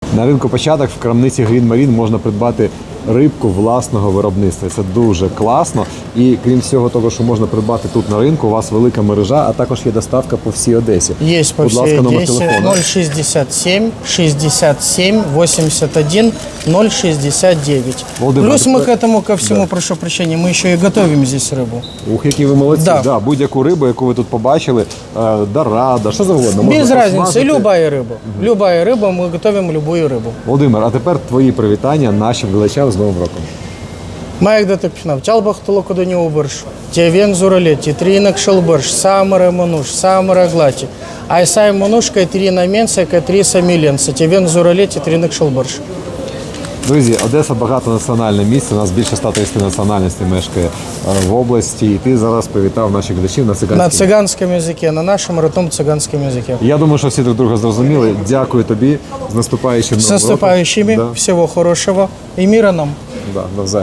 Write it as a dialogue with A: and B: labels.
A: На ринку Початок в крамниці Green Marine можна придбати рибку власного виробництва. Це дуже класно. І крім всього того, що можна придбати тут на ринку, у вас велика мережа, а також є доставка по всій Одесі.
B: Есть по
A: Будь
B: всей
A: ласка, номер
B: Одессе.
A: телефону.
B: 067 67 81 069.
A: Володимир,
B: Плюс
A: а
B: мы
A: тепер-
B: к этому ко всему, прошу прощения, мы еще и готовим здесь рыбу.
A: Ух, які ви молодці.
B: Да.
A: Да, будь-яку рибу, яку ви тут побачили, дорада, що завгодно.
B: Без
A: можна
B: разницы,
A: посмажити.
B: любая рыба. Любая рыба, мы готовим любую рыбу.
A: Володимир, а тепер твої привітання нашим глядачам з Новим роком.
B: Маyak da tepkinav, çalbaxtılı kuduni ubırş, teven zuraleti, trinak şılbırş, samara manuş, samara glati. Айсай манушка, трина менсека, триса миленса, теven зуралети, тринак шылбырш.
A: Друзі, Одеса багатонаціональне місце, у нас більше 130 національностей мешкає в області, і ти зараз привітав наших глядачів на
B: На
A: циганській.
B: цыганском языке, на нашем родном цыганском языке.
A: Я думаю, що всі друг друга зрозуміли. Дякую тобі, з наступаючим
B: С
A: Новим роком.
B: наступающими,
A: Да,
B: всего хорошего и мира нам.
A: да, навзаєм.